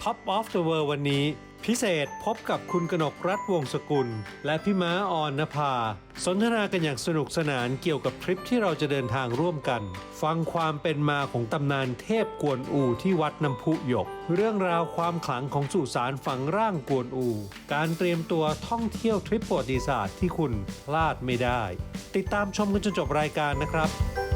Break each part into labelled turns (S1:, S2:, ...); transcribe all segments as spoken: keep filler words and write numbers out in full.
S1: Top of the World วันนี้พิเศษพบกับคุณกนกรัตน์วงศ์สกุลและพี่ม้าออนนภาสนทนากันอย่างสนุกสนานเกี่ยวกับทริปที่เราจะเดินทางร่วมกันฟังความเป็นมาของตำนานเทพกวนอูที่วัดน้ำพุหยกเรื่องราวความขลังของสุสานฝังร่างกวนอูการเตรียมตัวท่องเที่ยวทริปประวัติศาสตร์ที่คุณพลาดไม่ได้ติดตามชมกันจนจบรายการนะครับ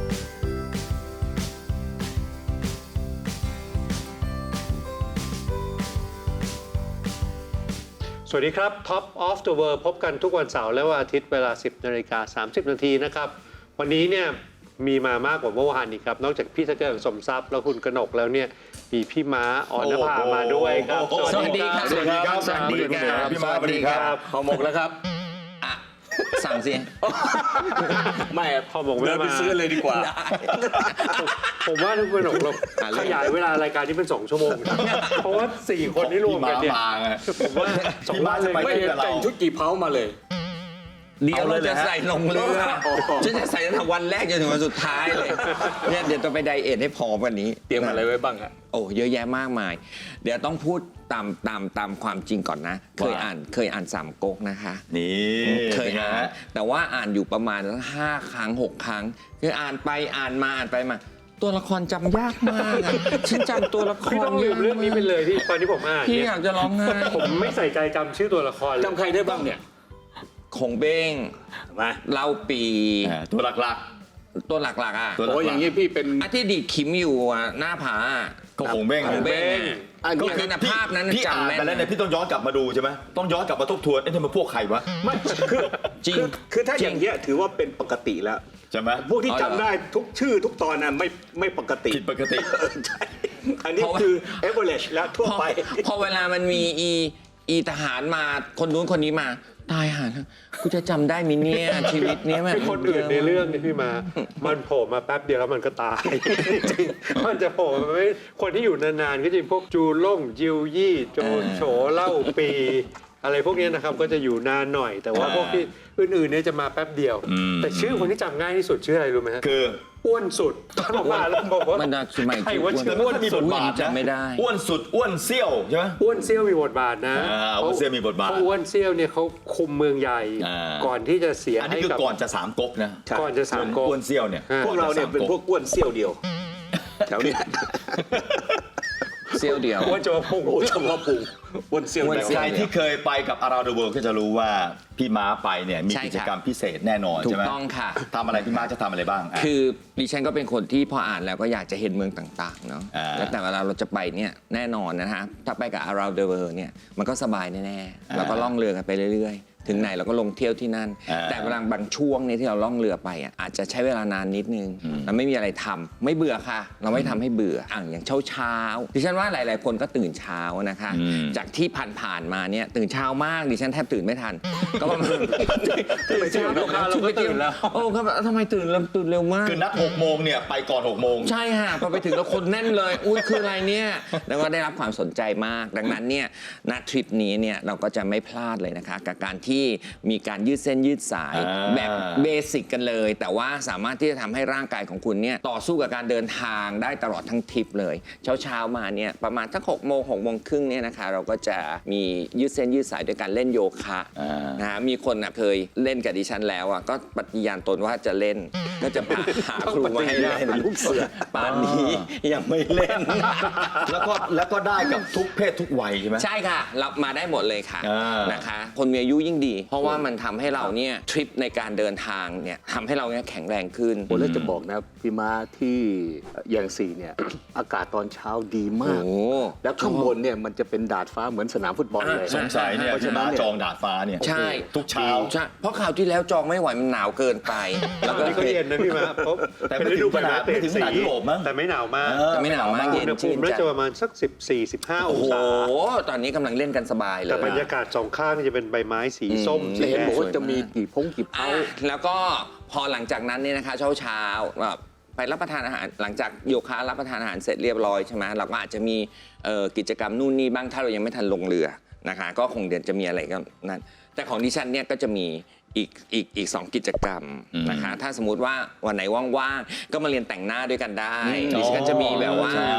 S1: สวัสดีครับ Top of the World พบกันทุกวันเสาร์และวันอาทิตย์เวลา สิบนาฬิกาสามสิบนาทีนะครับวันนี้เนี่ยมีมามากกว่าเมื่อวานอีกครับนอกจากพี่สเกิร์ตสมทรัพย์แล้วคุณกนกแล้วเนี่ยมีพี่ม้าออนนภามาด้วยครับ
S2: สวัสดีครับ
S3: สวัสดีครับ
S2: สวัสดีครับ
S3: พี่ม้าสวัสดีครับ
S2: ห่อหมกแล้วครับอ่ะสั่งสิไม่
S1: พอบอก
S2: เดินไปซื้อเลยดีกว่า
S1: ผมว่าทุกคนเราขยายเวลารายการที่เป็นสองชั่วโมงเพราะว่าสี่คนที่รวมกันเนี่ยผมว่าสองบ้านเลย
S2: ไม่เห็นแต่งชุดกี่เพ้ามาเลยเดี๋ยวเราจะใส่ลงเรือฉันจะใส่ตั้งแต่วันแรกจนถึงวันสุดท้ายเลยเนี่ยเดี๋ยวต้องไปไดเอทให้พร้อมกันนี้เตรียมอะไรไว้บ้างครับโอ้เยอะแยะมากมายเดี๋ยวต้องพูดตามตามตามความจริงก่อนนะเคยอ่านเคยอ่านสามก๊กนะคะ
S3: นี่
S2: เคยอ่านแต่ว่าอ่านอยู่ประมาณห้าครั้งหกครั้งคืออ่านไปอ่านมาอ่านไปมาตัวละครจำยากมากฉันจำตัวละคร
S1: พี่ต้องลืมเรื่องนี้ไปเลยที่ตอนที่ผมอ่าน
S2: พี่อยากจะร้องไห้
S1: ผมไม่ใส่ใจจำชื่อตัวละครจำใครได้บ้างเนี่ย
S2: คงเบ้ง
S3: มา
S2: เล่าปี
S3: ตัวหลัก
S2: ๆตัวหลักๆอ่ะ
S3: โอ้อย่างนี้พี่เป็น
S2: อาที่ดีขิมอยู่หน้าผา
S3: ก็คงเบ้ง
S2: คงเบ้งก็คือภาพนั้นจำแม่น
S3: แต่แล้วเนี่ยพี่ต้องย้อนกลับมาดูใช่ไหมต้องย้อนกลับมาทบทวนไอ้ที่มันพวกใครวะ
S4: ไม่คือจริงคือถ้าอย่างเงี้ยถือว่าเป็นปกติแล้ว
S3: ใช่ไหม
S4: พวกที่จำได้ทุกชื่อทุกตอนน่ะไม่ไม่ปกติ
S3: ผิดปกติ
S4: ใช่อันนี้คือ average แล้วทั่วไป
S2: พอเวลามันมีอีอีทหารมาคนนู้นคนนี้มาตายห่ากูจะจำได้มิเนี่ยชีวิตเนี้ยแบบ
S1: คนอื่นในเรื่องนี่พี่มามันโผล่มาแป๊บเดียวแล้วมันก็ตายจริงมันจะโผล่มาไม่คนที่อยู่นานๆก็จะพวกจูล่งจิวยี่โจโฉเล่าปีอะไรพวกนี้นะครับก็จะอยู่นานหน่อยแต่ว่าพวกที่อื่นๆเนี่ยจะมาแป๊บเดียวแต่ชื่อคนที่จำง่ายที่สุดชื่ออะไรรู้ไหมฮะ
S3: คือ
S1: อ้วนสุดตอนออกมาแล้วบอกว่า
S2: มันสมัย
S1: ใครว่าชื่อ
S3: อ้วนมีบทบาท
S2: จำไม่ได้
S3: อ้วนสุดอ้วนเซี่ยวใช่ไหม
S1: อ้วนเซี่ยวมีบทบาทนะ
S3: อ้วนเซี่ยวมีบทบาท
S1: เพราะอ้วนเซี่ยวเนี่ยเขาคุมเมืองใหญ่ก่อนที่จะเสีย
S3: อันนี้คือก่อนจะสามก๊กนะ
S1: ก่อนจะสามก๊ก
S3: อ้วนเซี่ยวเนี่ย
S4: พวกเราเนี่ยเป็นพวกอ้วนเซี่ยวเดียวแถวนี้
S2: เซี่ยวเดียว
S1: อ้วนจะมาพุง
S4: อ้วนจะมาพุงอ้วนเซี่ยว
S3: ใครที่เคยไปกับ Around the World ก็จะรู้ว่าพี่ม้าไปเนี่ยมีกิจกรรมพิเศษแน่นอนใช่ไหม
S2: ถูกต้องค่ะ
S3: ทำอะไรพี่ม้าจะทำอะไรบ้าง
S2: คือดิฉันก็เป็นคนที่พออ่านแล้วก็อยากจะเห็นเมืองต่างๆเนาะแล้วแต่เวลาเราจะไปเนี่ยแน่นอนนะฮะถ้าไปกับ Around the World เนี่ยมันก็สบายแน่ๆเราก็ล่องเรือกันไปเรื่อยๆถึงไหนเราก็ลงเที่ยวที่นั่นแต่เวลาบางช่วงนี้ที่เราล่องเรือไปอ่ะอาจจะใช้เวลานานนิดนึงเราไม่มีอะไรทำไม่เบื่อค่ะเราไม่ทำให้เบื่ออ่ะอย่างเช้าเช้าดิฉันว่าหลายๆคนก็ตื่นเช้านะคะจากที่ผ่านๆมาเนี่ยตื่นเช้ามากดิฉันแทบตื่นไม่ทันก็ประมาณ
S1: ตื่นเช้าเราก็ตื่นแล้ว
S2: โอ้ครับทำไมตื่นเราตื่นเร็วมาก
S3: คือนัดหกโมงเนี่ยไปก่อนหกโมง
S2: ใช่ค่ะพอไปถึงแล้วคนแน่นเลยอุ้ยคืออะไรเนี่ยแล้วก็ได้รับความสนใจมากดังนั้นเนี่ยณทริปนี้เนี่ยเราก็จะไม่พลาดเลยนะคะกับการที่มีการยืดเส้นยืดสายแบบเบสิกกันเลยแต่ว่าสามารถที่จะทำให้ร่างกายของคุณเนี่ยต่อสู้กับการเดินทางได้ตลอดทั้งทริปเลยเช้าเช้ามาเนี่ยประมาณสักหกโมงหกโมงครึ่งเนี่ยนะคะเราก็จะมียืดเส้นยืดสายด้วยการเล่นโยคะนะฮะมีคนเคยเล่นกับดิฉันแล้วอ่ะก็ปฏิญาณตนว่าจะเล่นก็จะพาหาครูมาให้เล่นลูกเสือป่านนี้ยังไม่เล่น
S3: แล้วก็แล้วก็ได้กับทุกเพศทุกวัยใช่ไหม
S2: ใช่ค่ะรับมาได้หมดเลยค่ะนะคะคนมีอายุยิ่งดีเพราะว่ามันทำให้เราเนี่ยทริปในการเดินทางเนี่ยทำให้เราเนี่ยแข็งแรงขึ้น
S4: ผมเลยจะบอกนะพี่ม้าที่แยงซีเนี่ยอากาศตอนเช้าดีมากแล้วข้างบนเนี่ยมันจะเป็นดาดฟ้าเหมือนสนามฟุตบอลเลย
S3: สงสัยเนี่ยพี่ม้าจองดาดฟ้าเนี่ย
S2: ใช่
S3: ทุกเช้า
S2: ใช่เพราะข่าวที่แล้วจองไม่ไหวมันหนาวเกินไป
S1: แล้วก็เย็นนะพี่ม้า
S3: แต่ไม่ถึงขนาดไม่ถึงขนาดยุโรปมั้ง
S1: แต่ไม่หนาวมาก
S2: แต่ไม่หนาวมากเย็น
S1: ชื่นใจจะประมาณสักสิบสี่ สิบห้าองศา
S2: โอ้โหตอนนี้กำลังเล่นกันสบายเลย
S1: แต่บรรยากาศสองข้างจะเป็นใบไม้สีส้ม
S4: เห็นบอกว่าจะมีกี่พงกี่เผา
S2: แล้วก็พอหลังจากนั้นเนี่ยนะคะเช้าเช้าแบบไปรับประทานอาหารหลังจากโยคะรับประทานอาหารเสร็จเรียบร้อยใช่ไหมเราก็อาจจะมีกิจกรรมนู่นนี่บ้างถ้าเรายังไม่ทันลงเรือนะคะก็คงเดี๋ยวจะมีอะไรก็นั่นแต่ของดิฉันเนี่ยก็จะมีอีกอีกอีกสองกิจกรรมนะคะถ้าสมมุติว่าวันไหนว่างๆก็มาเรียนแต่งหน้าด้วยกันได้ดิฉันจะมีแบบว่า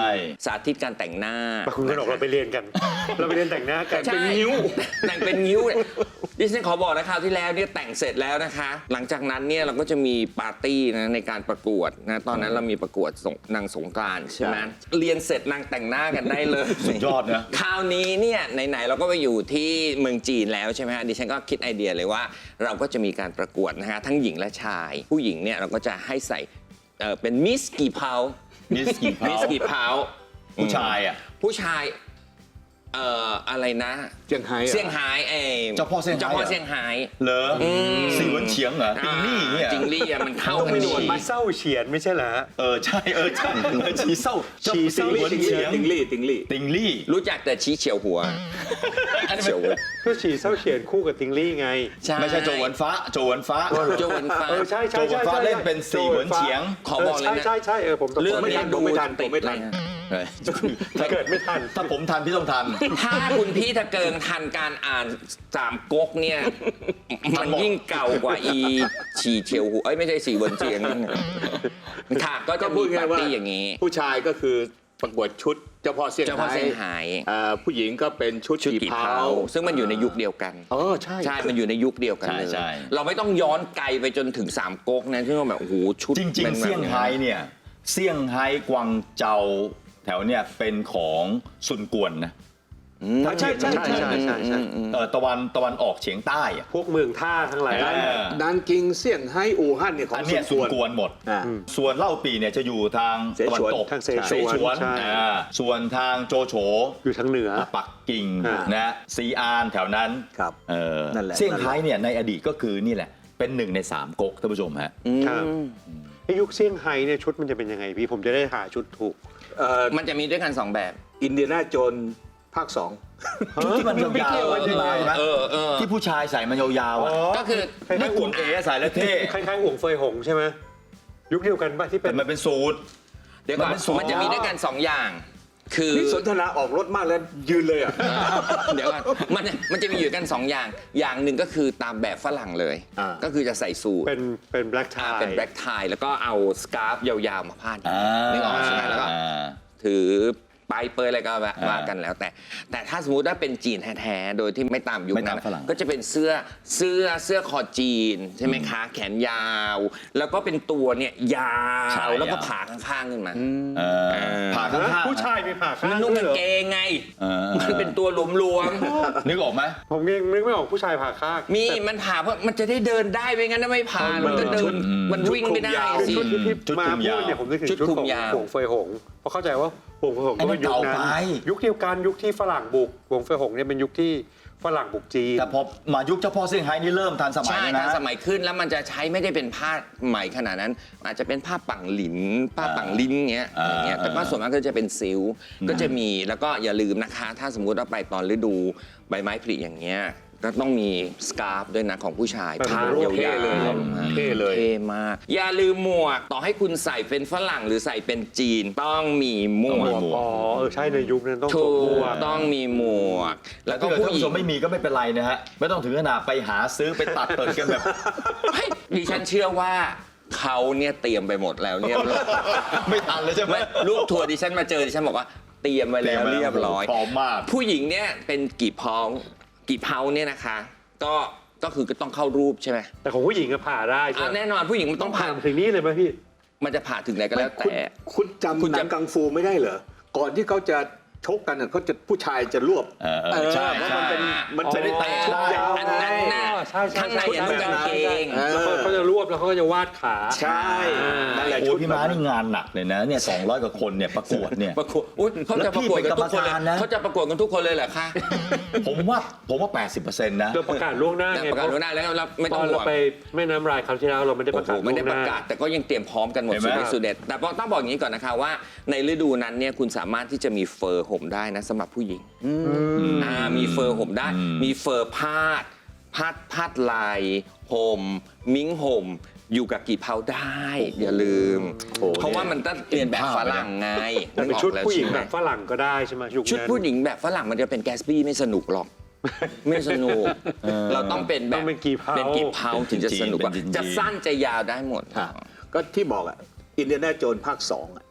S2: สาธิตการแต่งหน้า
S1: คุณกนกเราไปเรียนกัน เราไปเรียนแต่งหน้ากัน
S2: ใช่แต่งเป็นนิ้วดิฉันขอบอกนะคราวที่แล้วเนี่ยแต่งเสร็จแล้วนะคะ หลังจากนั้นเนี่ยเราก็จะมีปาร์ตี้นะในการประกวดนะตอนนั้นเรามีประกวดสงนางสงกรานต์ใช่ไหมเรียนเสร็จนางแต่งหน้ากันได้เลย
S3: สุดยอดนะ
S2: คราวนี้เนี่ยไหนๆเราก็ไปอยู่ที่เมืองจีนแล้วใช่ไหมฮะดิฉันก็คิดไอเดียเลยว่าเราก็จะมีการประกวดนะฮะทั้งหญิงและชาย ผู้หญิงเนี่ยเราก็จะให้ใส่เอ่อเป็นมิสกี่เพา
S3: มิสกี่เพา
S2: มิสกี่เพา
S3: ผู้ชายอ่ะ
S2: ผู้ชายเอ่ออะไรนะ
S4: เซี่ยงไฮ้อะ
S2: เซี่ยงไฮ้เอ
S3: เจ้าพ่อเซี่ยงไฮ้
S2: เจ้าพ่อเซี่ยงไฮ้
S3: เหรอสีหวนเฉียงเหรอติงลี่เนี่ย
S2: จิงลี่อะมันเข้ากัน
S1: ไม่
S2: ดี
S1: หนวดมาเศร้าเฉียนไม่ใช่เหรอฮะ
S3: เออใช่เออใช่เออชีเศร้า
S1: ชีเศร้า
S3: หวนเฉียง
S4: ติงลี่ติงลี่
S3: ติงลี่
S2: รู้จักแต่ชี้เฉียวหัวเฉียวหัว
S1: ก็ฉีเศร้าเฉียนคู่กับติงลี่ไง
S3: ไม่ใช่โจหวนฟ้าโจหวนฟ้า
S2: โจวันฟ้า
S1: เออใช่
S3: โจหวนฟ้าเล่นเป็นสีหวนเฉียง
S2: ขอบอกเลยนะ
S1: ใช่ใช่ใช่เออผมตก
S2: เรื่อง
S1: ไม่
S2: นี้
S1: ทัน
S2: ดู
S4: ไม่ทัน
S2: ติด
S4: ไม่ทัน
S2: เลย
S1: ถ้าเกิดไม่ทัน
S3: ถ้าผมทันพี่ต้องทัน
S2: ถ้าคุณพี่ตะเกิงทันการอ่านสามก๊กเนี่ย มันยิ่งเก่ากว่าอีฉีเฉียวหัวเอ้ยไม่ใช่สีบนเฉียงค่ะก็จะมีปาร์ตี้อย่างนี้
S4: ผู้ชายก็คือประกวดชุดเจ้าพ่อเซี่ยง
S2: เจ้าพ่อ
S4: ไฮ้
S2: เซี่ยงไฮ้
S4: อ่าผู้หญิงก็เป็นชุด
S2: ชุด
S4: กี่
S2: กี่
S4: เผา
S2: เผาซึ่งมันอยู่ในยุคเดียวกัน
S4: เออใช่
S2: ใช่ มันอยู่ในยุคเดียวกัน
S3: ใช่
S2: เลย
S3: ใช่
S2: เราไม่ต้องย้อนไกลไปจนถึงสามก๊กนะที่ว่าแบบโอ้โหชุด
S3: จริง
S2: ป็น
S3: ๆ
S2: แบบ
S3: เซี่ยงไฮ้เนี่ยเซี่ยงไฮ้กวางเจาแถวเนี่ยเป็นของซุนกวนนะ
S1: ใช่ใช่ใช่ใช่ใช่ใช่
S3: เออตะวันตะวันออกเฉียงใต้อะ
S1: พวกเมืองท่าทั้งหลาย
S3: เออ
S4: นานกิงเซี่ยงไฮ้อู่ฮั่นเนี่ยของ
S3: อัน
S4: ซุ
S3: เนี้ย
S4: น
S3: ซุ
S4: ก
S3: น
S4: วน
S3: กวนหมด
S4: อ่า
S3: ส่วนเล่าปีเนี่ยจะอยู่ทางตะวันตก
S1: ทางเสฉวน
S3: เสฉวน
S1: ใช่
S3: อ่าส่วนทางโจโฉ
S1: อยู่ทางเหนือ
S3: ปักกิ่ง
S1: อ่าน
S3: นะซีอานแถวนั้น
S4: ครับ
S3: เออ
S4: นั่นแหละ
S3: เซี่ยงไฮ้เนี่ยในอดีตก็คือนี่แหละ เป็นหนึ่งในสามก๊กท่านผู้ชมฮะ
S1: ครับไอ้ยุคเซี่ยงไฮ้เนี่ยชุดมันจะเป็นยังไงพี่ผมจะได้หาชุดถูก
S4: เอ่อ
S2: มันจะมีด้วยกันสองแบบ
S4: อินเดียนาโจนภาคสอง
S3: ที่มันยาวๆที่มาเห็นไหม
S2: เออเออ
S3: ที่ผู้ชายใส่มันยาวๆอ่ะ
S2: ก็คือ
S1: คล้ายๆ
S3: ไม่
S1: ห่
S3: คุ
S1: วง
S3: ณเอ๋ใส่แล้วเท่
S1: คล้ายๆห่วงเฟยหงใช่ไหมยุคเดียวกันป่ะที่เป็
S3: แต่
S1: น
S3: มันเป็นสูตร
S2: เดี๋ยวก่อน
S3: มันเป็นสูตร
S2: มันจะมีด้วยกันสองอย่าง คือ
S4: นี่สนทนาออกรถมากแล้วยืนเลยอ่ะ
S2: เดี๋ยวก่อนมันมันจะมีอยู่กันสองอย่าง อย่างหนึ่งก็คือตามแบบฝรั่งเลย
S4: อ่า
S2: ก็คือจะใส่สูท
S1: เป็นเป็นแบล็กไท
S2: อ่าเป็นแบล็กไทแล้วก็เอาสการ์ฟยาวๆมาพาด
S3: อ่า
S2: นึกออกใช่ไหมแล้วก็
S3: อ่า
S2: ถือปลายเปยอะไรก็ว่า
S3: อ่า
S2: ว่ากันแล้วแต่ แต่ถ้าสมมติว่าเป็นจีนแท้ๆโดยที่ไม่ตามยุค
S3: ไม่
S2: นั้
S3: ตาม
S2: น
S3: ฝรั่ง
S2: ก็จะเป็นเสื้อเสื้อเสื้อคอจีนใช่ไหมคะ แขนยาว แล้วก็เป็นตัวเนี่ยยา
S3: ใช่
S2: วแล้วก็
S3: ยาว
S2: ผ่าข้างๆขึ้นมา
S3: เออผ่าข้างๆ
S1: ผู้ชายมีผ่าข้าง
S2: มันนุ่ง
S1: ด้วย
S2: กาง
S1: เหรอ
S2: เกงไง
S3: เออ
S2: มันเป็นตัวหลวม
S3: นึกออกไหม
S1: ผมยังนึกไม่ออกผู้ชายผ่าข้าง
S2: ๆมีมันผ่าเพราะมันจะได้เดินได้ไม่งั้นถ้าไม่ผ่ามันก็เดินมันวิ่งไม่ได้
S1: คือ
S2: สิ
S1: ชุดที่พี่
S3: ชุด
S1: มา
S3: คลุม
S1: พู
S3: ยาว
S1: ดเนี่ยผมนึกถึง
S2: ชุด
S1: ชุด
S2: คลุ
S1: ข
S2: ม
S1: อง
S2: ยาว
S1: ห่วงเฟยหงเพราะเข้าใจว่าห่วงเฟยหง
S3: ไอ้นั่น
S1: ก็ยุคนั้น
S3: เก่าไป
S1: ยุคเดียวกันยุคที่ฝรั่งบุกห่วงเฟยหงเนี่ยเป็นยุคที่ฝรั่งบุกจีน
S3: แต่พอมายุคเจ้าพ่อเซี่ยงไฮ้นี่เริ่มทันสมัย
S2: ใช่
S3: แล้ว
S2: ทั
S3: นะ
S2: นสมัยขึ้นแล้วมันจะใช้ไม่ได้เป็นผ้าไหมขนาดนั้น อาจจะเป็นผ้าปังหลินผ้าปังลิ้นเงี้ย
S3: อ่า
S2: อย่างเงี้ยแต่ว่าส่วนมากก็จะเป็นซิลค์ก็จะมีแล้วก็อย่าลืมนะคะ ถ้าสมมุติว่าไปตอนฤดูใบไม้ผลิอย่างเงี้ยก็ต้องมีสการ์ฟด้วยนะของผู้ชาย
S1: แบบ
S2: ผ้า
S1: โอ้
S2: ยาว
S4: เท่เลย
S2: ๆ
S4: เท่เลย
S2: เท่มาก อย่าลืมหมวกต่อให้คุณใส่เป็นฝรั่งหรือใส่เป็นจีนต้องมีหม
S3: ต้อง
S2: ว
S3: มี
S2: ก
S3: หมวก
S1: อ๋อเออใช่ในยุคนั้นต้องส
S2: ถู
S1: วมหม
S2: ก
S1: วก
S2: ต้องมีหมวก แล้วก็
S3: ถ้าเกิด
S2: ผู้
S3: ท่าน
S2: หญิ
S3: ผู้ช
S2: ง
S3: มไม่มีก็ไม่เป็นไรนะฮะ ไม่ต้องถึงขนาดไปหาซื้อไปตัดเปิดกันแบบ
S2: เฮ้ยดิฉันเชื่อว่าเขาเนี่ยเตรียมไปหมดแล้วเนี่ย
S3: ไม่ทันเลยใช่ไหม
S2: ไม่ลูกทัวร์ดิฉันมาเจอดิฉันบอกว่าเตรียมไว้แล้วเรียบร้อย
S3: พร้อมมาก
S2: ผู้หญิงเนี่ยเป็นกี่เพากี่เพาเนี่ยนะคะ ก็ก็คือก็ต้องเข้ารูปใช่ไหม
S1: แต่ของผู้หญิงก็ผ่าได้ใช่
S2: อ่า
S1: ไหม
S2: แน่นอนผู้หญิงมัน
S1: ต้
S2: ต้
S1: อ
S2: อง ง
S1: ผ่า
S2: ผ่า
S1: ถึงนี่เลยไหมพี่
S2: มันจะผ่าถึงไหนก็แล้ว
S4: คุณ
S2: แต่
S4: คุณจำ
S2: คุณ
S4: หนั
S2: จะ
S4: งกังฟูไม่ได้เหรอ ก่อนที่เขาจะชกกันน่ะเขาจะผู้ชายจะรวบ
S3: เออเออใช่
S4: เพราะ
S3: ใช่
S4: มันเป็นมันจะได้เตะ
S2: อ๋อ
S4: ชุดยาว
S2: อันนั้นน่ะ
S1: ใช่ใช่
S2: ข้างใน
S1: ใช่
S2: อะนุ่งกางเกง
S4: เออ
S1: แล้วเขาเขาจะรวบแล้วเขาก็จะวาดขา
S4: ใช่นั่นแหละ
S3: โอ้
S4: ชุด
S3: พี่ม้านี่งานหนักเลยนะเนี่ยสองร้อยกว่าคนเนี่ยประกวดเนี่ย
S2: ประกวดอุ้ยเขาจะประกวดกันทุกคนเลย
S3: แล้วพี่เป็นกรรมการนะ
S2: เขาจะประกวดกันทุกคนเลยเหรอคะ
S3: ผมว่าผมว่า แปดสิบเปอร์เซ็นต์ นะ
S1: เราประกาศล่วงหน้า
S2: แต่
S1: ไง
S2: ประกาศล่วงหน้าแล้วเราไม่
S1: ต
S2: ต้อ
S1: อง น
S2: ห่
S1: เรา
S2: วง
S1: ไปแม่น้ำรายคราวที่แล้วเราไม่ได้ประกาศ
S2: โอ้โหไม่ได้
S1: ล่วงห
S2: ป
S1: น้า
S2: ระกาศแต่ก็ยังเตรียมพร้อมกันหมด
S3: เห็นไหม
S2: สุดฤทธิ์สุดเด็ดแต่ต้องบอกอย่างนี้ก่อนนะคะว่าในฤดูนั้นเนี่ยคุณสามารถที่จะมีเฟอร์ห่มได้นะสำหรับผู้หญิงอ่ามีเฟอร์ห่มได้ มีเฟอร์พาดพาดพาดลายห่มมิ้งห่มอยู่กับกี่เพาได้ อย่าลืม
S3: โอ้
S2: เพราะว่ามันต้องเรียนแบบฝรั่งไง
S1: แต่เป็นชุด
S2: นึกออกแล้ว
S1: ผู้หญิง
S2: ใช่ไ
S1: แบบฝรั่งก็ได้ใช่ไหมยุคนั้น
S2: ชุดผู้หญิงแบบฝรั่งมันจะเป็นแกสบี้ไม่สนุกหรอก ไม่สนุก เราต้องเป็นแบบ
S1: ต้องเป็นกี่เพา
S2: เป็นกี่เพาถึงจะสนุกกว่า
S3: เป็นจีนๆ
S2: จะสั้นจะยาวได้หมด
S4: ฮะก็ที่บอกอ่ะอินเดียนาโจนภาคสองอ่ะ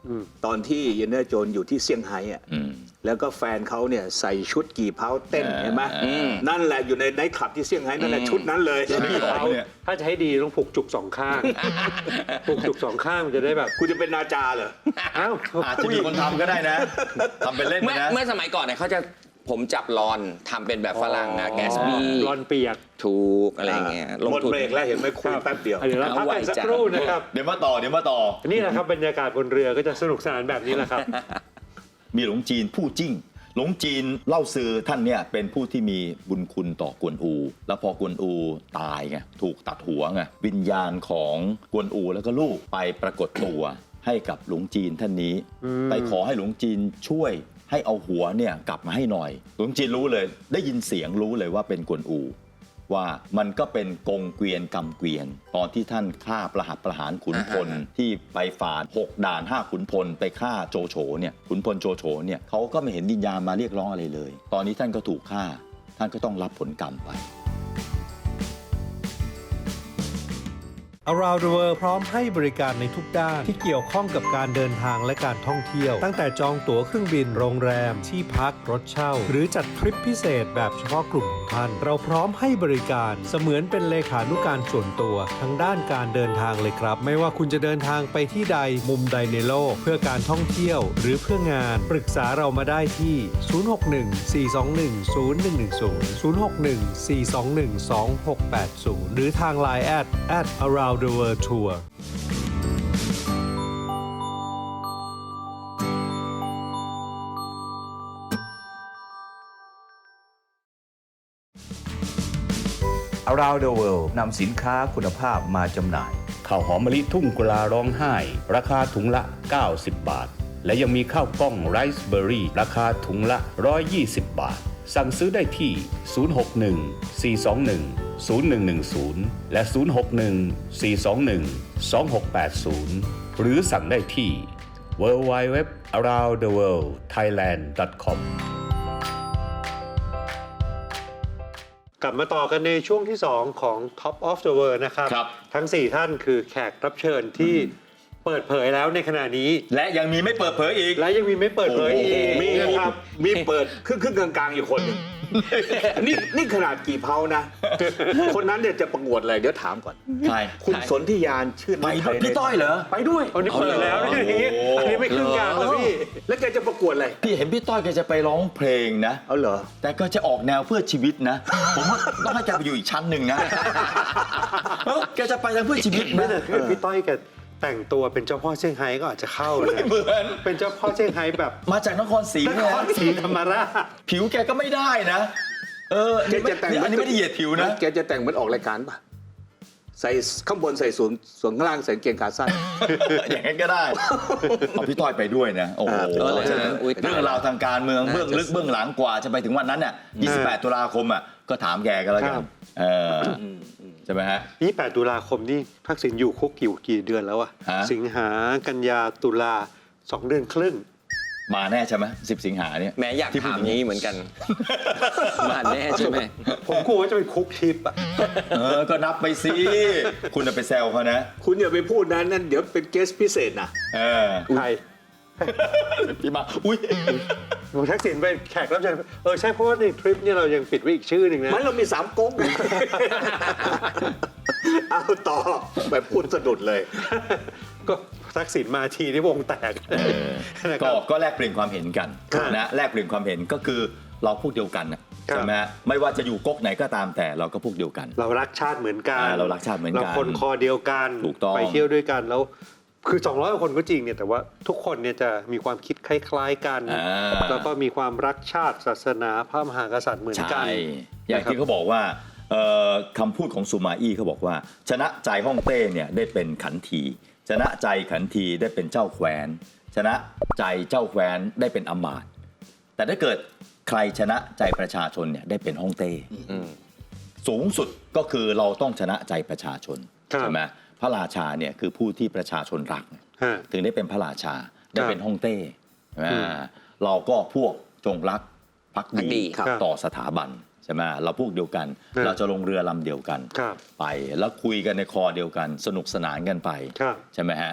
S1: อืม
S4: ตอนที่เยนเนอร์โจนอยู่ที่เซี่ยงไฮ้อะ
S3: อืม
S4: แล้วก็แฟนเขาเนี่ยใส่ชุดกี่เผาเต้น
S3: อ่า
S4: เห็นไหม
S3: อืม
S4: นั่นแหละอยู่ในไนท์คลับที่เซี่ยงไฮ้นั่นแหละชุดนั้นเลย
S3: พี่เขาเนี่ย
S1: ถ้าจะให้ดีต้องผูกจุกสองข้าง ผูกจุกสองข้างมันจะได้แบบ
S4: คุณจะเป็นนาจาเหรอ
S1: อ้าว
S3: อาจจะมีคนทำก็ได้นะทำเป็นเล่นไป
S2: เมื่อ
S3: นะ
S2: เมื่อสมัยก่อนเนี่ยเขาจะผมจับรอนทำเป็นแบบฝรั่งนะแกสบี้
S1: รอนเปียก
S2: ถูกอะไรอย่างเงี้ยลง
S4: หมด
S2: ทุน
S4: เบรกแล้วเห็นไหมคุยแป๊บเดียว
S1: เดี๋ยวเราพักกันสักครู่นะครับ
S3: เดี๋ยวมาต่อเดี๋ยวมาต่อ
S1: นี่แหละครับบรรยากาศบนเรือก็จะสนุกสนานแบบนี้แหละครับ
S3: มีหลงจีนผู้จิ้ง หลงจีนเล่าซือท่านเนี่ยเป็นผู้ที่มีบุญคุณต่อกวนอู แล้วพอกวนอูตายไงถูกตัดหัวไงวิญญาณของกวนอูแล้วก็ลูกไปปรากฏตัวให้กับหลวงจีนท่านนี้
S1: อืม
S3: ไปขอให้หลวงจีนช่วยให้เอาหัวเนี่ยกลับมาให้หน่อย หลวงจีนรู้เลย ได้ยินเสียงรู้เลยว่าเป็นกวนอู ว่ามันก็เป็นกงเกวียนกำเกวียน ตอนที่ท่านฆ่าประหัตประหารขุนพล ที่ไปฝ่าหกด่านห้าขุนพลไปฆ่าโจโฉเนี่ยขุนพลโจโฉเนี่ยเขาก็ไม่เห็นวิญญาณมาเรียกร้องอะไรเลย ตอนนี้ท่านก็ถูกฆ่า ท่านก็ต้องรับผลกรรมไป
S1: Around the World พร้อมให้บริการในทุกด้านที่เกี่ยวข้องกับการเดินทางและการท่องเที่ยว ตั้งแต่จองตั๋วเครื่องบินโรงแรมที่พักรถเช่า หรือจัดทริปพิเศษแบบเฉพาะกลุ่มของท่าน เราพร้อมให้บริการเสมือนเป็นเลขานุการส่วนตัวทั้งด้านการเดินทางเลยครับ ไม่ว่าคุณจะเดินทางไปที่ใดมุมใดในโลก เพื่อการท่องเที่ยวหรือเพื่องานปรึกษาเรามาได้ที่ ศูนย์ หก หนึ่ง สี่ สอง หนึ่ง ศูนย์ หนึ่ง หนึ่ง ศูนย์ ศูนย์ หก หนึ่ง สี่ สอง หนึ่ง สอง หก แปด ศูนย์ หรือทาง ไลน์ แอท แอท around the world tour
S5: Around the World นำสินค้าคุณภาพมาจำหน่าย ข้าวหอมมะลิทุ่งกุลาร้องไห้ ราคาถุงละ เก้าสิบ บาท และยังมีข้าวกล้องไรซ์เบอร์รี่ราคาถุงละ หนึ่งร้อยยี่สิบ บาท สั่งซื้อได้ที่ ศูนย์ หก หนึ่ง สี่ สอง หนึ่ง ศูนย์ หนึ่ง หนึ่ง ศูนย์ และ ศูนย์ หก หนึ่ง สี่ สอง หนึ่ง สอง หก แปด ศูนย์ หรือสั่งได้ที่ ดับเบิลยู ดับเบิลยู ดับเบิลยู ดอท อาราวนด์เดอะเวิลด์ ไทยแลนด์ ดอท คอม
S1: กลับมาต่อกันในช่วงที่ สอง ของ Top of the World นะครับ
S3: ครับ
S1: ทั้ง สี่ ท่านคือแขกรับเชิญที่เปิดเผยแล้วในขณะนี้
S3: และยังมีไม่เปิดเผยอีก
S1: และยังมีไม่เปิดเผยอีก
S4: มี
S1: นะครับ
S4: มีเปิดครึ่งครึ่งกลางๆอยู่คนหนึ่ง นี่นี่ขนาดกี่เพานะ คนนั้นเนี่ยจะประกวดอะไรเดี๋ยวถามก่อน
S3: ใคร
S4: คุณสนธิยานชื่อ
S3: ไป
S4: ไทย
S3: พี่ต้อยเหรอ
S4: ไปด้วย
S1: อันนี้เปิดแล้วนี่อย่างงี้
S3: โอ้
S1: อันนี้ไม่ครึ่งกลางแล้วพี่
S4: แล้วแกจะประกวดอะไร
S3: พี่เห็นพี่ต้อยแกจะไปร้องเพลงนะ
S4: เอาเหรอ
S3: แต่ก็จะออกแนวเพื่อชีวิตนะ ผมว่าต้องให้แกไปอยู่อีกชั้นหนึ่งนะเอ้าแกจะไปทางเพื่อชีวิต
S1: ไม่
S3: นะ
S1: แต่ถ้าพี่ต้อยแกแต่งตัวเป็นเจ้าพ่อเซี่ยงไฮ้ก็อาจจะเข้านะ
S3: ไม่เหมือน
S1: เป็นเจ้าพ่อเซี่ยงไฮ้แบบ
S3: มาจากนครศรี
S1: น
S3: เนี่ย
S1: ครศรีธรรมราช
S3: ผิวแกก็ไม่ได้นะ เออ
S4: แกจะแต่ง
S3: อันนี้ไม่ได้เหยียดผิวนะ
S4: แกจะแต่งเหมือนออกรายการป่ะ ใส่ข้างบนใส่สูงส่วนข้างล่างใส่กางเกงขาสั้น
S3: อย่างนั้นก็ได้ เอาพี่ต้อยไปด้วยนะ โอ้โห
S4: เออ
S2: เลยนะอุ๊ย
S3: เรื่องราวทางการเมือง
S2: น่าจะ
S3: เบื้องลึกเบื้องหลังกว่าจะไปถึงวันนั้นน่ะยี่สิบแปดตุลาคมอ่ะก็ถามแกกันแล้วกั
S1: ครั
S3: น
S1: บ
S3: เออใช่ไหมฮะ
S1: ยี่สิบแปดตุลาคมนี่ทักษิณอยู่คุกกี่กี่เดือนแล้วอะ
S3: ฮะ
S1: สิงหากันยาตุลาสองเดือนครึ่ง
S3: มาแน่ใช่ไหมสิบสิงหาเนี่ย
S2: แม้อยาก
S3: ที่พูด
S2: ถาม
S3: อย่างนี้
S2: นี้เหมือนกัน มาแน่ใช่ไหม
S1: ผมกลัวว่าจะเป็นคุกทิปอะ
S3: เออ ก็นับไปสิ คุณจะไปแซวเขานะ
S4: คุณอย่าไปพูดนะนั่นเดี๋ยวเป็นเกสพิเศษนะ
S3: เออ
S1: ใคร
S3: พี่มา อุ้ย
S1: ผมทักษิณเป็นแขกรับเชิญเออใช่เพราะว่าในทริปเนี่ยเรายังปิดไว้อีกชื่อหนึ่งนะ
S4: มันเรามีสามก๊ก เอาต่อแบบพูดสะดุดเลย
S1: ก็ทักษิณมาทีที่วงแตกนะค
S3: ก็
S1: รับ
S3: ก็แลกเปลี่ยนความเห็นกัน
S1: ครับ
S3: นะแลกเปลี่ยนความเห็นก็คือเราพวกเดียวกันน่ะ
S1: ครับ
S3: ใช่ไหมฮะไม่ว่าจะอยู่ก๊กไหนก็ตามแต่เราก็พวกเดียวกัน
S1: เรารักชาติเหมือนกัน
S3: อ่าเรารักชาติเหมือนกัน
S1: เราคนคอเดียวกัน
S3: ถูกต้อง
S1: ไปเที่ยวด้วยกันแล้วคือสองร้อยกว่าคนก็จริงเนี่ยแต่ว่าทุกคนเนี่ยจะมีความคิดคล้ายๆกัน
S3: อ่า
S1: แล้วก็มีความรักชาติศาสนาพระมหากษัตริย์เหมือนกัน
S3: ใช่อย่างที่เขาบอกว่าเอ่อคำพูดของซูมาอี้เขาบอกว่า ชนะใจฮ่องเต้เนี่ยได้เป็นขันที ชนะใจขันทีได้เป็นเจ้าแคว้น ชนะใจเจ้าแคว้นได้เป็นอำมาตย์แต่ถ้าเกิดใครชนะใจประชาชนเนี่ยได้เป็นฮ่องเต้ สูงสุดก็คือเราต้องชนะใจประชาชน
S1: ครับ
S3: ใช่ไหมพระราชาเนี่ยคือผู้ที่ประชาชนรัก
S1: ฮะ
S3: ถึงได้เป็นพระราชาได้
S1: ครับ
S3: เป็นฮ่องเต้ใช่ไหม
S1: อืม
S3: เราก็พวกจงรักภัก
S2: ภักดี
S3: ดี
S1: ครับ
S3: ต่อสถาบันใช่ไหมเราพวกเดียวกัน
S1: ครับ
S3: เราจะลงเรือลำเดียวกัน
S1: ครับ
S3: ไปแล้วคุยกันในคอเดียวกัน สนุกสนานกันไป
S1: ครับ
S3: ใช่ไหมฮะ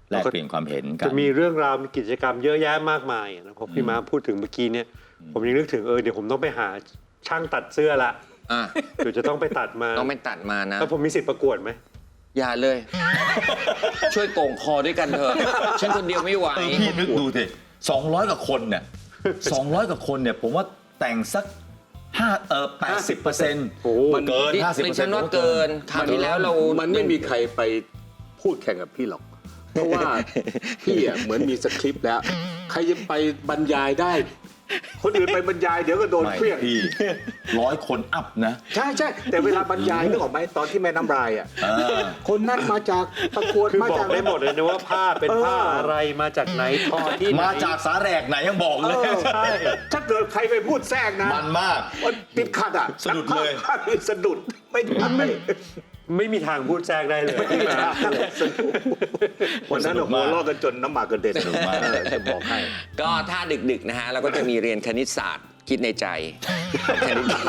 S3: แลกเปลี่ยนความเห็นกัน
S1: จะมีเรื่องราวมีกิจกรรมเยอะแยะมากมายนะพอพี่ม้าพูดถึงเมื่อกี้เนี่ยผมยังนึกถึงเออเดี๋ยวผมต้องไปหาช่างตัดเสื้อละ
S2: อ่ะ
S1: เดี๋ยวจะต้องไปตัดมา
S2: ต้องไม่ตัดมานะ
S1: แล้วผมมีสิทธิ์ประกวดไหม
S2: อย่าเลย ช่วยโก่งคอด้วยกันเถอะ ฉันคนเดียวไม่ไหว
S3: เออพี่นึกดูสิสองร้อยกว่าคนเนี่ยสองร้อยกว่าคนเนี่ยผมว่าแต่งสักห้าเออแปดสิบเปอร์เซ็นต์
S1: โอ้โห
S3: มันเกิน
S2: ดิ
S3: ห้าสิบเปอร์เซ็
S2: ฉั
S3: น
S2: น
S3: ต์
S2: ว่าเกินคราวที่แล้วเรา
S4: มันไม่มีใครไปพูดแข่งกับพี่หรอก เพราะว่าพี่อ่ะเหมือนมีสคริปต์แล้ว ใครจะไปบรรยายได้ คนอื่นไปบรรยายเดี๋ยวก็โดน
S3: ไม่
S4: เครื่อง
S3: พี่ร้อยคนอัพนะ
S4: ใช่ใช่แต่เวลาบรรยายนึกออกไหมตอนที่แม่น้ำลายอ่ะ
S3: เออ
S4: คนนั้นมาจากประกวด
S1: คือ
S4: มา
S1: บอ
S4: จาก
S1: กได้หมดเลยนะว่าผ้าเป็นผ้าอะไรมาจากไหนทอที่ไหน
S3: มาจากสาแหรกไหนยังบอก
S4: เอ
S3: เลย
S4: อ
S1: ใช่
S4: ถ้าเกิดใครไปพูดแทรกนะ
S3: มันมาก
S4: มันติดขัดอ่ะ
S3: สะดุดเลย
S4: ภาพสะดุดไม่ได้
S1: ไม่มีทางพูดแทรกได้เลยพี่ม้า
S4: สนุกวันนั้นเราหัวเราะกันจนน้ำหมากกระเด็น
S3: สนุกมาก
S4: เออจะบอกให้
S2: ก็ถ้าดึกๆนะฮะเราก็จะมีเรียนคณิตศาสตร์คิดในใจคณิตศาสตร์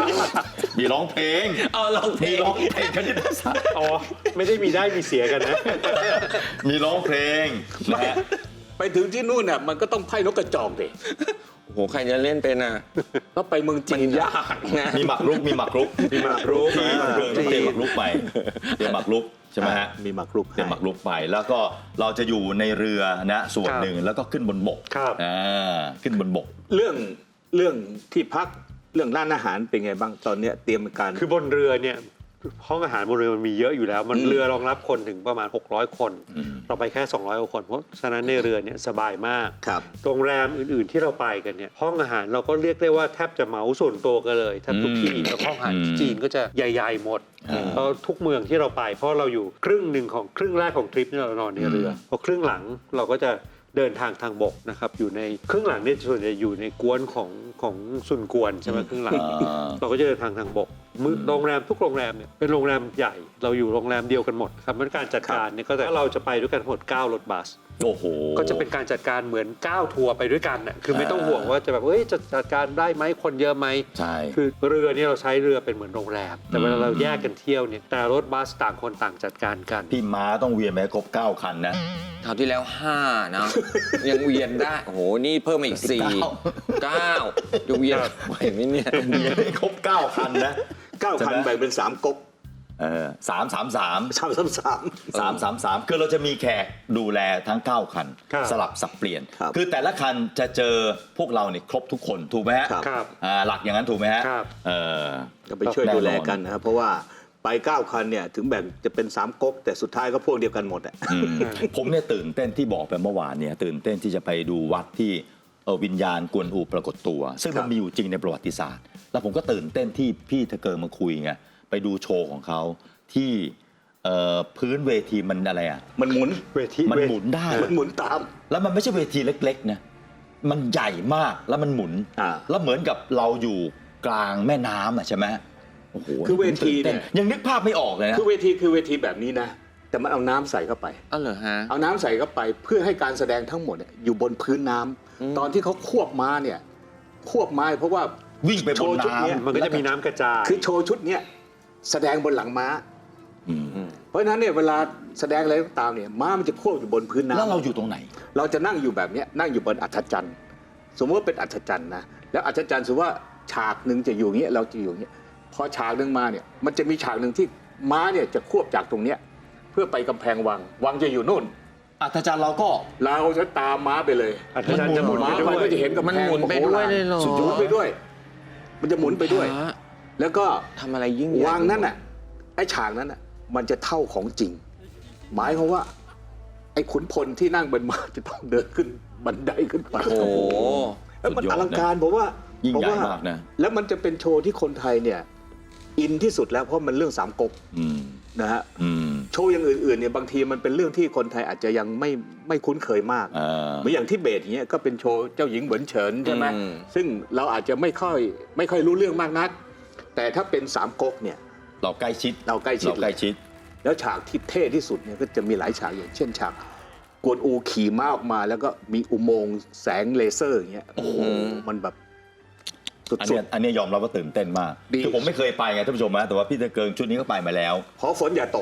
S3: มีร้องเพลง
S2: เอาลองเพล
S3: มี
S2: ง
S3: ร้องเพลงคณิตศาสตร์
S1: อ๋อไม่ได้มีได้มีเสียกันนะ
S3: มีร้องเพลงนะฮะ
S4: ไปถึงที่นู่นน่ะมันก็ต้องไพ่นกกระจอกดิ
S2: โอ้โหใครจะเล่นเป็นอ่ะ
S4: ก็ไปเมืองจีน
S2: ยากนะ
S3: มีหมักรุกมีหมักรุก
S1: มีหมากรุก
S3: ที่เมืองต้องเตรียมหมักรุกไปเตรียมหมักรุกใช่ไหมฮะ
S4: มีหมากรุก
S3: เตรียมหมักรุกไป แล้วก็เราจะอยู่ในเรือนะส่วนหนึ่งแล้วก็ขึ้นบนบก
S1: ครับ
S3: อ่าขึ้นบนบก
S4: เรื่องเรื่องที่พักเรื่องร้านอาหารเป็นไงบ้างตอนเนี้ยเตรียมการ
S1: คือบนเรือเนี่ยห้องอาหารบนเรือมันมีเยอะอยู่แล้ว มันเรือรองรับคนถึงประมาณหกร้อยคน เราไปแค่สองร้อยกว่าคนเพราะฉะนั้นในเรือเนี่ยสบายมาก
S4: ครับ
S1: โรงแรมอื่นๆที่เราไปกันเนี่ยห้องอาหารเราก็เรียกได้ว่าแทบจะเหมาส่วนตัวกันเลยแทบทุกที่
S3: อืม
S1: แล้วห้องอาหาร
S3: อืม
S1: จีนก็จะใหญ่ๆหมด
S3: อ่า
S1: เพราะทุกเมืองที่เราไป เพราะเราอยู่ครึ่งหนึ่งของครึ่งแรกของทริปเนี่ยเรานอนในเรืออพอครึ่งหลังเราก็จะเดินทางทางบกนะครับอยู่ในครึ่งหลังเนี่ยส่วนใหญ่อยู่ในกวนของของซุนกวนใช่ไหมครึ่งหลัง
S3: อ่า
S1: เราก็จะเดินทางทางบกมือโรงแรมทุกโรงแรมเนี่ยเป็นโรงแรมใหญ่ เราอยู่โรงแรมเดียวกันหมดครับมันการจัดการเนี่ยก็จะเราจะไปด้วยกันทั้งหมดเก้ารถบัส
S3: โอ้โห
S1: ก็จะเป็นการจัดการเหมือนเก้าทัวร์ไปด้วยกันน่ะคือไม่ต้องห่วงว่าจะแบบเอ้ยจะจัดการได้ไหมคนเยอะไหม
S3: ใช่
S1: คือเรือเนี่ยเราใช้เรือเป็นเหมือนโรงแรม แต่เวลาเราแยกกันเที่ยวเนี่ยแต่รถบัสต่างคนต่างจัดการกัน
S3: พี่ม้าต้องเวียนไปให้ครบเก้าคันนะ
S2: คราวที่แล้วห้านะ ยังเวียนได้ โอ้โห นี่เพิ่มมาอีกสี่
S3: เก้า
S2: เก้าจะเวียนไหวไหมเนี่ย
S3: เวียนให้ครบเก้าคันนะ
S4: เก้าคัน
S3: ใช่ไหม
S4: แบ่งเป็นสามก๊ก
S3: เออสามสามสาม
S4: สามสามสาม
S3: สามสามสามคือเราจะมีแขกดูแลทั้งเก้าคัน
S1: ครับ
S3: สลับสับเปลี่ยน
S4: ครับ
S3: คือแต่ละคันจะเจอพวกเราเนี่ยครบทุกคนถูกไหมฮะ
S4: ครับ
S1: ครับ
S3: อ่าหลักอย่างนั้นถูกไหมฮะ
S1: ครับ
S3: เออ
S4: ก็ไปช่วยดูแลกันนะครับเพราะว่าไปเก้าคันเนี่ยถึงแบ่งจะเป็นสามก๊กแต่สุดท้ายก็พวกเดียวกันหมดอ่ะ
S3: อืมผมเนี่ยตื่นเต้นที่บอกไปเมื่อวานเนี่ยตื่นเต้นที่จะไปดูวัดที่เอ่อวิญญาณกวนอูปรากฏตัว ซึ่ง
S4: ครั
S3: มัน
S4: บ
S3: มีอยู่จริงในประวัติศาสตร์ แล้วผมก็ตื่นเต้นที่พี่ทะเกิงมาคุยไงไปดูโชว์ของเขาที่เอ่อพื้นเวทีมันอะไรอ่ะ
S4: มันหมุน
S1: เวที
S3: มัน
S1: เว
S3: หมุนได้
S4: มันหมุนตาม
S3: แล้วมันไม่ใช่เวทีเล็กๆนะมันใหญ่มากแล้วมันหมุน
S4: อ่า
S3: แล้วเหมือนกับเราอยู่กลางแม่น้ำอ่ะใช่ไหมโอ้โห
S4: คือเวทีเนี่ย
S3: ผมตื่ต้ยังนึกภาพไม่ออกเลยนะ
S4: คือเวทีคือเวทีแบบนี้นะ แต่มันเอาน้ำใส่เข้าไป
S2: อ้าวเหรอฮะ
S4: เอาน้ำใส่เข้าไปเพื่อให้การแสดงทั้งหมดเนี่ยอยู่บนพื้นน้ำตอนที่เขาควบม้าเนี่ยควบม้าเพราะว่า
S3: วิ่งไปบน
S4: โชว์ชุด
S3: น้ำ
S4: เนี้ย
S1: มันก็จะมีน้ำกระจาย
S4: คือโชว์ชุดเนี้ยแสดงบนหลังม้า
S3: อืม
S4: เพราะฉะนั้นเนี่ยเวลาแสดงอะไรก็ตามเนี่ยม้ามันจะควบอยู่บนพื้นน้ำ
S3: แล้วเราอยู่ตรงไหน
S4: เราจะนั่งอยู่แบบเนี้ยนั่งอยู่บนอัฐจันทร์สมมติว่าเป็นอัฐจันทร์นะแล้วอัฐจันทร์สมมติว่าฉากหนึ่งจะอยู่อย่างเงี้ยเราจะอยู่อย่างเงี้ยพอฉากหนึ่งมาเนี่ยมันจะมีฉากหนึ่งที่ม้าเนี่ยจะควบจากตรงเนี้ยเพื่อไปกำแพงวังวังจะอยู่นู่น
S3: อาจารย์เราก็
S4: เราจะตามม้าไปเลย
S1: อาจารย์จะหมุน
S4: ม้า
S1: ไปด้วย
S4: มันก็จะเห็นกำแพง
S2: มันหมุนไปด้วยเลยเหรอ
S4: สุดยอดไปด้วย มันจะหมุนไปด้วย
S2: ฮะ
S4: แล้วก็
S2: ทำอะไรยิ่งใหญ่
S4: วังนั้นน่ะไอ้ฉากนั้นน่ะมันจะเท่าของจริง หมายความว่า ไอ้ขุนพลที่นั่งบนม้าจะต้องเดินขึ้นบันไดขึ้นไป
S2: โอ้โห
S4: แล้วมัน
S3: สุดยอด
S4: อลังการผมว่า
S3: ยิ่ง
S4: ผม
S3: ใหญ่
S4: ว่
S3: มากนะ
S4: แล้วมันจะเป็นโชว์ที่คนไทยเนี่ย อินที่สุดแล้วเพราะมันเรื่องสามก๊ก
S3: อืม
S4: นะฮะ
S3: อืม
S4: โชว์อย่างอื่นๆเนี่ยบางทีมันเป็นเรื่องที่คนไทยอาจจะยังไม่ไม่คุ้นเคยมาก
S3: เออ
S4: เหมือนอย่างที่เบสเนี้ยก็เป็นโชว์เจ้าหญิงเหวินเฉินใช่ไหม
S2: อืม
S4: ซึ่งเราอาจจะไม่ค่อยไม่ค่อยรู้เรื่องมากนัก แต่ถ้าเป็นสามก๊กเนี่ย
S3: เราใกล้ชิด
S4: เราใกล้ชิด
S3: เราใกล้ชิด
S4: แล้วฉากที่เท่ที่สุดเนี่ยก็จะมีหลายฉากอย่างเช่นฉากกวนอูขี่ม้าออกมา แล้วก็มีอุโมงค์แสงเลเซอร์อย่างเงี้ยโอ้โหมันแบบสุ
S3: อัน
S4: ด
S3: เนี้ยอันเนี้ยยอมรับว่าตื่นเต้นมาก
S4: ดี
S3: คือผมไม่เคยไปไงท่านผู้ชมนะแต่ว่าพี่ตะเกิงชุดนี้ก็ไปมาแล้ว
S4: ๆขอฝนอย่าตก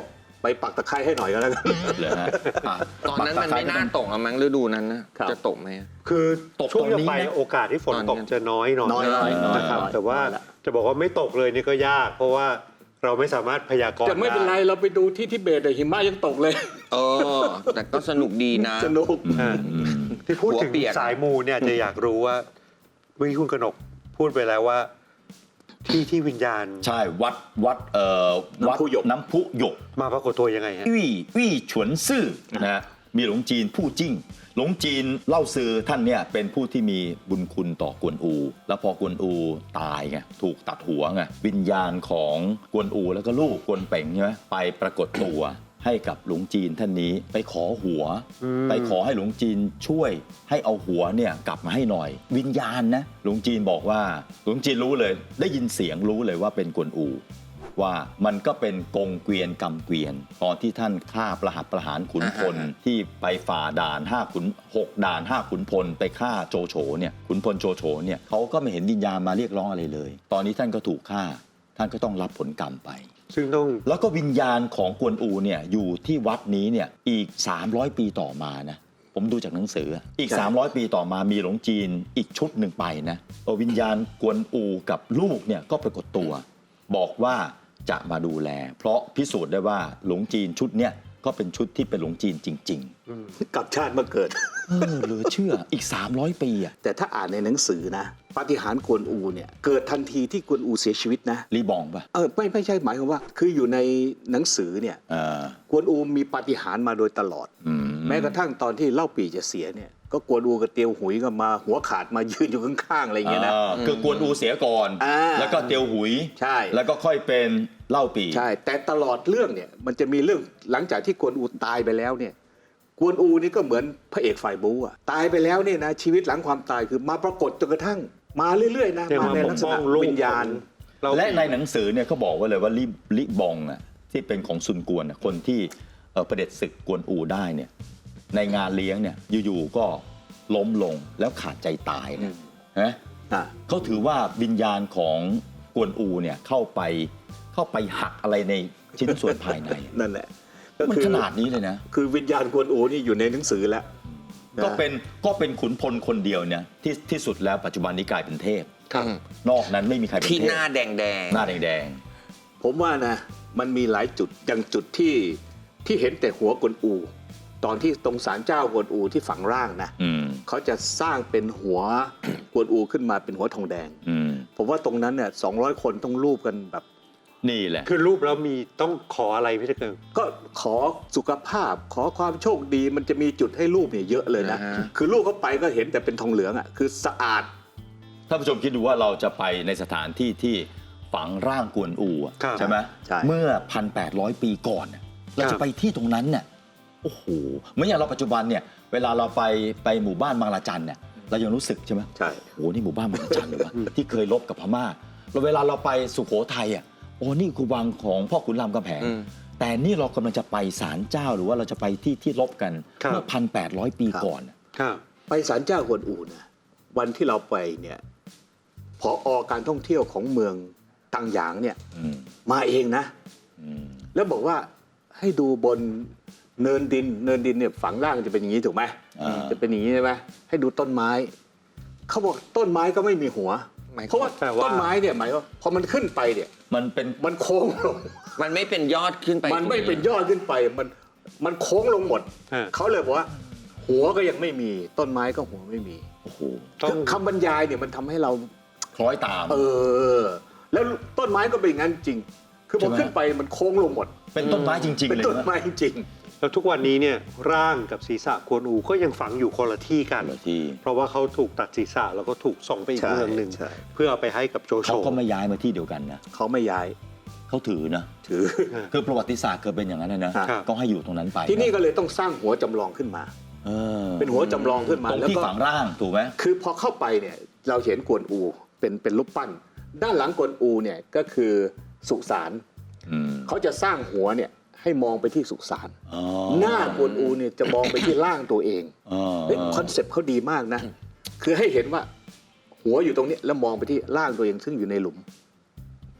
S4: ไปปักตะไคร้ให้หน่อยก็แล้วกัน
S3: เลยฮะอ่ะ
S2: ตอนนั้นมันไม่น่าตกอะมั้งฤดูนั้นนะครับ จะตกไหม
S1: คือ
S3: ตก
S1: ช่วง
S3: ตอน
S1: จะ
S3: นี้
S1: ไป
S3: นะ
S1: โอกาสที่ฝน
S2: ตอนนี้
S1: ตกจะน้อยหน่อย
S4: น้อยน้อยน้อย
S1: นะครับ
S4: น้อย
S1: แต่ว่า
S4: น้อยละ
S1: จะบอกว่าไม่ตกเลยนี่ก็ยาก เพราะว่าเราไม่สามารถพยากรณ์
S4: แต่ไม่เป็นไร
S1: ด้
S4: เราไปดูที่ทิเบตเนี่ยหิมะยังตกเลย
S2: เออ แต่ก็สนุกดีนะ
S4: สนุก
S1: อ่าที่พูดถึง
S2: หัวเปียก
S1: สายมูเนี่ยจะอยากรู้ว่าเมื่อกี้คุณกนกพูดไปแล้วว่า ที่ที่วิญญาณ
S3: ใช่วัดวัดเอ่อวัด
S4: น้ำพุหยก
S3: น้ำพุหยก
S1: มาปรากฏตัวยังไงฮะ
S3: วี่วี่ฉวนซื่อนะฮะมีหลงจีนผู้จิ้งหลงจีนเล่าซือท่านเนี่ยเป็นผู้ที่มีบุญคุณต่อกวนอู แล้วพอกวนอูตายไงถูกตัดหัวไงวิญญาณของกวนอูแล้วก็ลูกกวนเป่งใช่ไหมไปปรากฏตัวให้กับหลวงจีนท่านนี้ไปขอหัว
S1: อืม
S3: ไปขอให้หลวงจีนช่วยให้เอาหัวเนี่ยกลับมาให้หน่อย วิญญาณนะหลวงจีนบอกว่าหลวงจีนรู้เลยได้ยินเสียงรู้เลยว่าเป็นกวนอู ว่ามันก็เป็นกงเกวียนกำเกวียน ตอนที่ท่านฆ่าประหัตประหารขุนพล
S2: อ่าฮะ
S3: ที่ไปฝ่าด่านห้าขุนหกด่านห้าขุนพลไปฆ่าโจโฉเนี่ยขุนพลโจโฉเนี่ยเขาก็ไม่เห็นวิญญาณมาเรียกร้องอะไรเลย ตอนนี้ท่านก็ถูกฆ่า ท่านก็ต้องรับผลกรรมไป
S1: ซึ่งต้อง
S3: แล้วก็วิญญาณของกวนอูเนี่ยอยู่ที่วัดนี้เนี่ยอีก สามร้อย ปีต่อมานะผมดูจากหนังสืออีก
S4: ใช่
S3: สามร้อย ปีต่อมามีหลวงจีนอีกชุดหนึ่งไปนะเอาวิญญาณกวนอูกับลูกเนี่ยก็ปรากฏตัว บอกว่าจะมาดูแล เพราะพิสูจน์ได้ว่าหลวงจีนชุดเนี่ยก็เป็นชุดที่เป็นหลวงจีนจริง
S4: กลับชาติมาเกิด
S3: ๆ เออเหลือเชื่ออีก สามร้อย ปีอ่ะ
S4: แต่ถ้าอ่านในหนังสือนะปาฏิหาริย์กวนอูเนี่ยเกิดทันทีที่กวนอูเสียชีวิตนะ
S3: รีบองป่ะ
S4: เออไม่ไม่ใช่หมายความว่า คืออยู่ในหนังสือเนี่ย
S3: เออก
S4: วนอูมีปาฏิหาริย์มาโดยตลอด
S3: อืม
S4: แม้กระทั่งตอนที่เล่าปี่จะเสียเนี่ยก็กวนอูกับเตียวหุยก็มาหัวขาดมายืนอยู่ข้างๆอะไรอย่างเงี้ยนะ
S3: อ่าคือกวนอูเสียก่อน
S4: อ่า
S3: แล้วก็เตียวหุย
S4: ใช่
S3: แล้วก็ค่อยเป็นเล่าปี
S4: ใช่ แต่ตลอดเรื่องเนี่ยมันจะมีเรื่องหลังจากที่กวนอูตายไปแล้วเนี่ยกวนอูนี่ก็เหมือนพระเอกฝ่ายบู๊อะตายไปแล้วเนี่ยนะชีวิตหลังความตายคือมาปรากฏจนกระทั่งมาเรื่อยๆนะ
S1: จะ
S4: มา
S1: มา
S4: ใน
S1: ป
S4: ลั
S1: ก
S4: กษ
S1: ป้อ
S4: ณะ
S1: งลูก
S4: วิญญาณ
S1: เรา
S3: และในหนังสือเนี่ยเขาบอกไว้เลยว่าลิลิบองอ่ะที่เป็นของซุนกวนอะคนที่เอ่อประเด็จศึกกวนอูได้เนี่ยในงานเลี้ยงเนี่ยอยู่ๆก็ล้มลงแล้วขาดใจตายนะนะ
S4: อ่ะ
S3: เขาถือว่าวิญญาณของกวนอูเนี่ยเข้าไปเข้าไปหักอะไรในชิ้นส่วนภายใน
S4: นั่นแหละก็
S3: มัน
S4: คือ
S3: ขนาดนี้เลยนะ
S4: คือวิญญาณกวนอูนี่อยู่ในหนังสือแล้ว
S3: ก็เป็นก็เป็นขุนพลคนเดียวเนี่ยที่ที่สุดแล้วปัจจุบันนี้กลายเป็นเทพ
S4: ครับ
S3: นอกนั้นไม่มีใครเป็น
S2: ที่
S3: เทพ
S2: หน้าแดงแดง
S3: หน้าแดง
S4: ผมว่านะมันมีหลายจุดอย่างจุดที่ที่เห็นแต่หัวกวนอู ตอนที่ตรงศาลเจ้ากวนอูที่ฝังร่างนะ
S3: ๆอืม
S4: เขาจะสร้างเป็นหัว กวนอูขึ้นมาเป็นหัวทองแดง
S3: อืม
S4: ผมว่าตรงนั้นเนี่ยสองร้อยคนต้องรูปกันแบบ
S3: นี่แหละ
S1: คือรูปแล้วมีต้องขออะไรพี่ตะเกิง
S4: ก็ขอสุขภาพ ขอความโชคดีมันจะมีจุดให้รูปเนี่ยเยอะเลยนะ
S2: อ่าฮะ
S4: คือรูปเข้าไปก็เห็นแต่เป็นทองเหลืองอ่ะคือสะอาด
S3: ท่านผู้ชมคิดดูว่าเราจะไปในสถานที่ที่ฝังร่างกวนอูอะ
S1: ครับ
S3: ใช่ไหม
S4: ใช่
S3: เมื่อ หนึ่งพันแปดร้อย ปีก่อนน่ะเราจะไปที่ตรงนั้นเนี่ยโอ้โหเหมือนอย่างเราปัจจุบันเนี่ยเวลาเราไปไปหมู่บ้านบางละจันเนี่ยเรายังรู้สึกใช่ไหม
S4: ใช่
S3: โอ้นี่หมู่บ้านบางละจันเลยวะ ที่เคยลบกับพม่าแล้วเวลาเราไปสุโขทัยอ่ะโอ้นี่คือวังของพ่อขุนรามคำแหง
S2: อืม
S3: แต่นี่เรากำลังจะไปศาลเจ้าหรือว่าเราจะไปที่ที่ลบกัน
S1: ครับ
S3: เมื่อ หนึ่งพันแปดร้อย ปี
S4: ครับ
S3: ก่อนน่ะ
S1: ครับ
S4: ไปศาลเจ้ากวนอูนะวันที่เราไปเนี่ยผอการท่องเที่ยวของเมืองตังหยางเนี่ย
S3: อืม
S4: มาเองนะ
S3: อืม
S4: แล้วบอกว่าให้ดูบนเนินดิน เนินดินเนี่ยฝังร่างจะเป็นอย่างนี้ถูกไหม
S3: อ่า
S4: จะเป็นอย่างนี้ใช่ไหมให้ดูต้นไม้ เขาบอกต้นไม้ก็ไม่มีหัว
S2: หมายความ
S4: เพราะว่า
S1: แปลว่า
S4: ต้นไม้เนี่ยหมายว่าพอมันขึ้นไปเนี่ย
S3: มันเป็น
S4: มันโค้งลง
S2: มันไม่เป็นยอดขึ้นไป
S4: มันไม่เป็นยอดขึ้นไปมันมันโค้งลงหมด
S1: ฮะ
S4: เขาเลยบอกว่า หัวก็ยังไม่มีต้นไม้ก็หัวไม่มี
S3: โอ้โห
S1: ต้อง
S4: คำบรรยายเนี่ยมันทำให้เรา
S3: คล้อยตาม
S4: เออ แล้วต้นไม้ก็เป็นอย่างนั้นจริง คือพอ
S3: ใช่ไหม
S4: ขึ้นไปมันโค้งลงหมด
S3: เป็นต้นไม้จริง ๆ
S4: เป็น
S3: เลย
S4: ต้น
S3: นะ
S4: ไม้จริง
S1: แล้วทุกวันนี้เนี่ยร่างกับศีรษะกวนอูก็ยังฝังอยู่คนละที่กัน
S3: คนละที่
S1: เพราะว่าเขาถูกตัดศีรษะแล้วก็ถูกส่งไปอีก
S4: ใช่
S1: เมืองหนึ่ง
S4: ใช่
S1: เพื่อเอาไปให้กับโจโฉ
S3: เขาก็ไม่ย้ายมาที่เดียวกันนะ
S4: ๆ เขาไม่ย้าย
S3: เขาถือนะ
S4: ถือ
S3: คือประวัติศาสตร์เคยเป็นอย่างนั้นนะนะครับ ก็ให้อยู่ตรงนั้นไป
S4: ที่นี่ก็เลยต้องสร้างหัวจำลองขึ้นมา
S3: เออ
S4: เป็นหัวจำลองขึ้นมา
S3: ตรง
S4: แล้ว
S3: ที่
S4: ก็
S3: ฝังร่างถูกไหม
S4: คือพอเข้าไปเนี่ยเราเห็นกวนอูเป็นเป็นรูปปั้น ด้านหลังกวนอูเนี่ยก็คือสุสาน
S3: อืม
S4: เขาจะสร้างหัวเนี่ยให้มองไปที่สุสาน
S3: อ๋อ
S4: หน้ากวนอูเนี่ยจะมองไปที่ร่างตัวเอง
S3: อ๋อ
S4: เฮ้ยคอนเซปต์เขาดีมากนะ คือให้เห็นว่าหัวอยู่ตรงนี้แล้วมองไปที่ร่างตัวเองซึ่งอยู่ในหลุม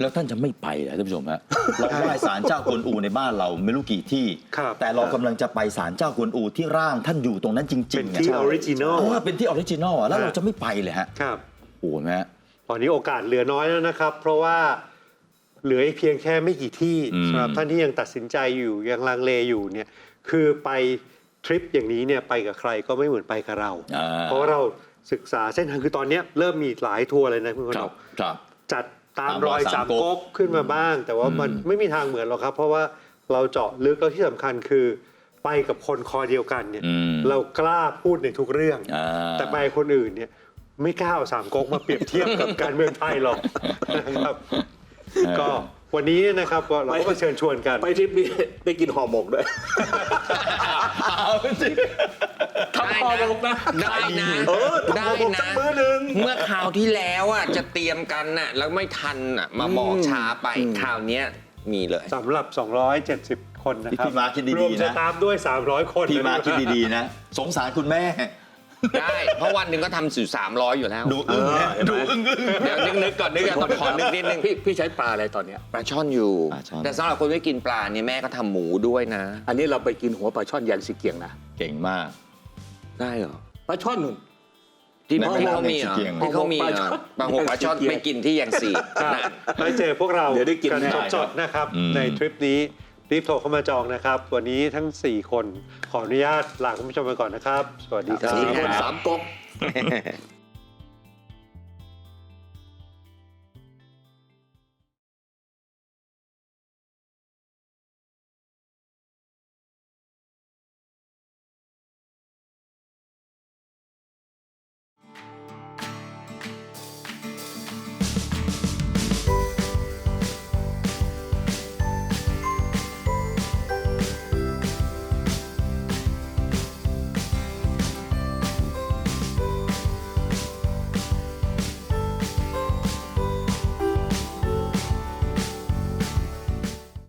S3: แล้วท่านจะไม่ไปเหรอท่านผู้ชมฮะ เราไหว้ศาลเจ้ากวนอูในบ้านเราไม่รู้กี่ที่
S1: ครับ
S3: แต่เรากำลังจะไปศาลเจ้ากวนอูที่ร่างท่านอยู่ตรงนั้นจริงๆ
S1: เป็นที่
S3: ะ
S1: ออริจินอล
S3: เออเป็นที่ออริจินอลอะแล้วเราจะไม่ไปเลยฮะ
S1: ครับ
S3: โอ้โหฮะ
S1: ตอนนี้โอกาสเหลือน้อยแล้วนะครับ เพราะว่าเหลืออีกเพียงแค่ไม่กี่ที่
S3: อืม
S1: สำหรับท่านที่ยังตัดสินใจอยู่ยังลังเลอยู่เนี่ยคือไปทริปอย่างนี้เนี่ยไปกับใครก็ไม่เหมือนไปกับเรา
S3: อ่า
S1: เพราะว่าเราศึกษาเส้นทางคือตอนเนี้ยเริ่มมีหลายทัวร์เลยนะคุณก
S3: คน รับ
S1: ก
S3: ครับ
S1: จัดตาม
S3: ตาม
S1: ร
S3: ร
S1: อ
S3: อย ย
S1: สา
S3: สาม มก๊ก
S1: ก๊กขึ้นมาบ้าง แต่ว่ามัน
S3: อืม
S1: ไม่มีทางเหมือนหรอกครับ เพราะว่าเราเจาะลึกแล้วที่สำคัญคือไปกับคนคอเดียวกันเนี่ย
S3: อืม
S1: เรากล้าพูดในทุกเรื่อง
S3: อ่า
S1: แต่ไปคนอื่นเนี่ยไม่กล้าเอาสามก๊กมาเปรียบเทียบกับการเมืองไทยหรอกนะครับ ก็วันนี้นะครับก็เราก็มาเชิญชวนกัน
S4: ไปทริปนี้ได้กินห่อหมกด้วย
S3: เอาสิ
S4: ทำห่อหมกนะ
S2: ได้นะ
S4: เออ
S2: ได้
S4: ทำห่อหมกสั
S2: นะ
S4: กมื้อหนึ่ง
S2: เมื่อคราวที่แล้วอ่ะจะเตรียมกันน่ะแล้วไม่ทันอ่ะมาบอกช้าไปคราวเนี้ยมีเลย
S1: สำหรับ สองร้อยเจ็ดสิบ คนนะครับ
S3: พี่มาคิดดีๆนะ
S1: รวมสตาฟด้วย สามร้อย คน
S3: พี่มา
S1: นะ
S3: คิดดีๆนะ สงสารคุณแม่
S2: ได้ เพราะวันหนึ่งก็ทำสู่สามร้อยอยู่แล้ว
S3: ดูอึ้งนะ
S4: เออ
S3: ดูอึ้งอึ้ง
S2: เดี๋ยวนึกๆก่อนนึกก่อนต้องขอนึกนิดนึง
S4: พี่พี่ใช้ปลาอะไรตอนเนี้ย
S2: ปลาช่อนอยู่
S3: ปลาช่อน
S2: แต่สำหรับคนไม่กินปลาเนี่ยแม่ก็ทำหมูด้วยนะ
S4: อันนี้เราไปกินหัวปลาช่อนยันสีเกียงนะ
S3: เก่งมาก
S2: ได้เหรอ
S4: ปลาช่อนหนึ่ง
S2: ที่
S3: ใน
S2: ที่
S3: แม่น้ำ
S2: เขามีเหรอ
S3: ในสีเกียง
S2: ที่เขามีเหรอปลาหัวปลาช่อนไปกินที่ยังสี่
S1: ครับ
S2: นะ
S1: ไปเจอพวกเรา
S4: เดี๋ยวได้กิน
S1: กัน
S4: แน่
S1: สดๆนะครับ
S3: อืม
S1: ในทริปนี้รีบโทรเข้ามาจองนะครับ วันนี้ทั้ง สี่ คนขออนุญาตลาคุณผู้ชมไปก่อนนะครับ สวัสดีครั
S4: สี่
S1: บ
S4: คนสามก๊ก